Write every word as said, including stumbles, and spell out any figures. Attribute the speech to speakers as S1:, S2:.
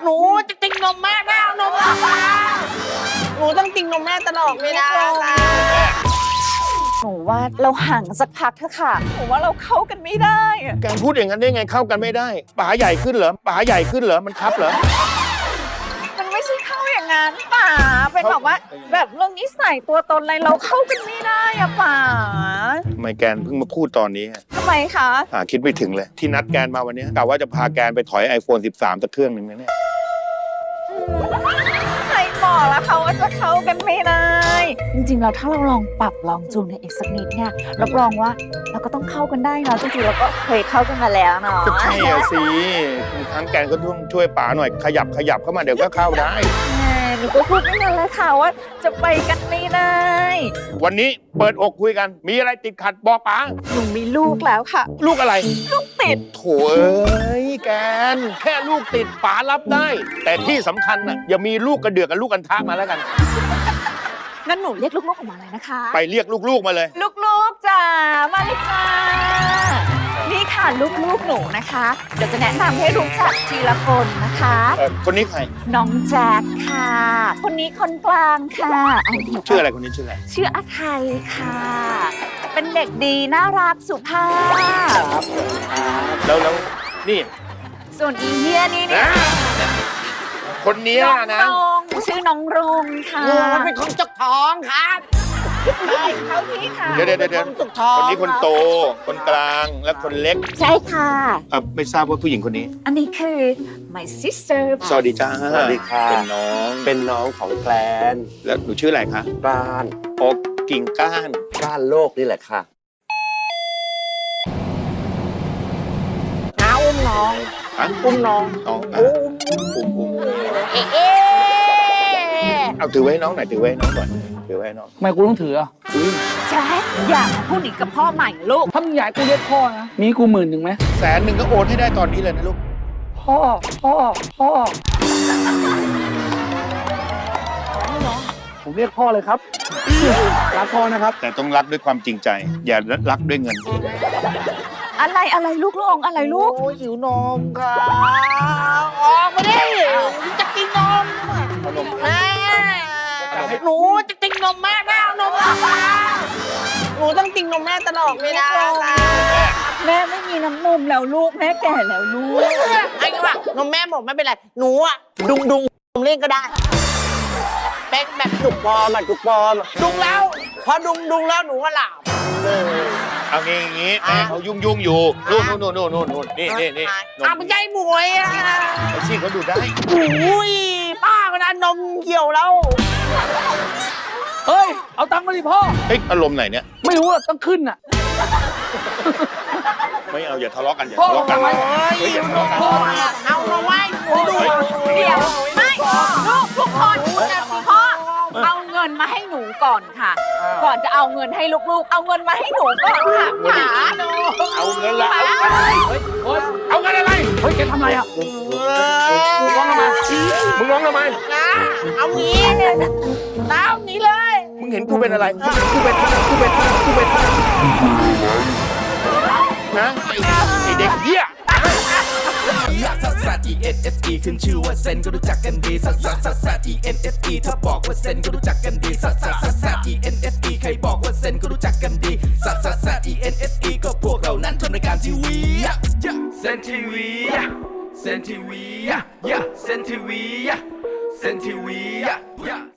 S1: หนูจะติงนมแม่แม่เอานมมาหนูต้องติงนมแม่ตลอดไม่ได้ค่ะ
S2: หนูว่าเราห่างสักพักเถอะค่ะหนูว่าเราเข้ากันไม่ได้อะ
S3: แกพูดอย่างนั้นได้ไงเข้ากันไม่ได้ป๋าใหญ่ขึ้นเหรอป๋าใหญ่ขึ้นเหรอมันครับเหรอ
S2: มันไม่ใช่เข้าอย่างนั้นป่าเป็นแบบว่าแบบเรื่องนิสัยตัวตนอะไรเราเข้ากันไม่ได้อะป่า
S3: ทำไมแกนเพิ่งมาพูดตอนนี้
S2: ทำไมคะ
S3: อ่าคิดไม่ถึงเลยที่นัดแกนมาวันนี้กะว่าจะพาแกนไปถอย ไอโฟน สิบสามสักเครื่องหนึ่งนะเนี่ย
S2: ใครบอกแล้วเขาว่าจะเข้ากันไม่ได้จริงๆแล้วถ้าเราลองปรับลองจูนกันอีกสักนิดเนี่ยรับรองว่าเราก็ต้องเข้ากันได้เนาะจริงๆเราก็เคยเข้ากันมาแล้วเนาะ
S3: ก็ใช่อะสิทางแกนก็ต้องช่วยป๋าหน่อยขยับขยับเข้ามาเดี๋ยวก็เข้าได้
S2: หนูก็พูดไม่ทันเลยค่ะว่าจะไปกันไม่ได้
S3: วันนี้เปิดอกคุยกันมีอะไรติดขัดบอกป๋า
S2: หนูมีลูกแล้วค่ะ
S3: ลูกอะไร
S2: ลูกติด
S3: โถ่เอ้ยแกนแค่ลูกติดป๋ารับได้แต่ที่สำคัญน่ะอย่ามีลูกกระเดือกกับลูกกันทะมาแล้วกัน
S2: งั้นหนูเรียกลูกๆออกมาเลยนะคะ
S3: ไปเรียกลูกๆมาเลย
S2: ลูกๆจ้ามาเลยจ้านี่ค่ะลูกๆหนูนะคะเดี๋ยวจะแนะนำให้รู้จักทีละคนนะคะ
S3: คนนี้ใคร
S2: น้องแจ็คค่ะคนนี้คนกลางค่ะ
S3: ชื่ออะไรคนนี้ชื่ออะไร
S2: ชื่ออาไทยค่ะเป็นเด็กดีน่ารักสุภาพ
S3: ครับแล้วแล้วนี่
S2: ส่วนอีเฮียนี่นี่
S3: คนนี้นะ
S2: ชื่อน้องรงค่ะ
S1: มันเป็นคนจุกท้องครับ
S2: ใช่เขาพี่ค่ะ
S3: เดี๋ยวเดี๋ยวเดี๋ยวคนนี้คนโตคนกลางและคนเล็ก
S2: ใช่ค่ะ
S3: ไม่ทราบว่าผู้หญิงคนนี้
S2: อันนี้คือ my sister
S3: สวัสดีจ้า
S4: สวัสดีค่ะ
S3: เป็นน้อง
S4: เป็นน้องของแกลน
S3: แล้วหนูชื่ออะไรคะ
S4: ก้าน
S3: โอ๊กกิ่งก้าน
S4: ก้านโลกนี่แหละค่ะ
S1: น้าอุ้มน้องอุ้มน้อง
S3: น้อง
S1: อุ้ม
S3: อุ้มอุ้ม
S1: เอ๊ะ
S3: เอาถือไว้ให้น้องหน่อยถือไว้ให้น้องก่อนถือไว้ให้น้อง
S5: ทำไมกูต้องถืออ่ะ
S2: แจ๊คอยากพูดอีกกับพ่อใหม่ลูก
S5: ถ้ามึงอยากกูเรียกพ่อนะมีกูหมื่นหนึ่งไหม
S3: แสนหนึ่งก็โอนให้ได้ตอนนี้เลยนะลูก
S5: พ่อพ่อพ่อผมเรียกพ่อเลยครับรักพ่อนะครับ
S3: แต่ต้องรักด้วยความจริงใจอย่ารักด้วยเงิน
S2: อะไรอะไรลูกลงอะไรลูก
S1: โอ้หิวนมค่ะออกมาดิจะกินนมแม่หนูจะติงนมแม่แม่เอานมมาหนูต้องติงนมแม่ตลอดไม่ได้ค่ะ
S2: แม่ไม่มีน้ำนมแล้วลูกแม่แก่แล้วลูก
S1: ไอ้ก็ว่านมแม่หมดไม่เป็นไรหนูอะดุงดุงนมเล่นก็ได้เป็นแบบจุกปอมอะจุกปอมดุงแล้วพอดุงดุงแล้วหนูก็หลับ
S3: เอางี้อย่างงี้แม่เขายุ่งยุ่งอยู่นู่นนู่นนู่นนู่นนู่นนี่นี่นี่
S1: อ่ะมันใจหมวยอ่ะ
S3: ไอ้ชี่เขาดูได้
S1: อุ้ยป้ามันนนมเหี่ยวแล้ว
S5: เฮ้ยเอาตังค์มาดิพ่อ
S3: เฮ้ยอารมณ์ไหนเนี่ย
S5: ไม่รู้อ่ะต้องขึ้นอ่ะ
S3: ไม่เอาอย่าทะเลาะกันอย่าทะเลาะกัน
S1: เฮ้ยอย่าทะเลาะกันเอามาไว้ดู
S2: เดี๋ยวไม่ลูกทุกคนพ่อเอาเงินมาให้หนูก่อนค่ะก่อนจะเอาเงินให้ลูกๆเอาเงินมาให้หนูก่อนค่ะป๋า
S3: เอาเงินละ
S5: เฮ้ยเอาเงินอะไรเฮ้ยแกทำอะไรอ่ะมึงร้องทำไม
S3: มึงร้องทำไม
S1: นะเอางี้น้าหนีเลย
S3: มึงเห็นกูเป็นอะไรกูเป็นกูเป็นกูเป็นนะไอเด็กเหี้ย
S6: ซัสซัส E N S E ขึ้นชื่อว่าเซนก็รู้จักกันดีซัสซัสซัสซัส E N S E ถ้าบอกว่าเซนก็รู้จักกันดีซัสซัสซัสซัส E N S E ใครบอกว่าเซนก็รู้จักกันดีซัสซัสซัส E N S E ก็พวกเรานั้นทำรายการทีวีเซนทีวีเซนทีวีเซนทีวีเซนทีวี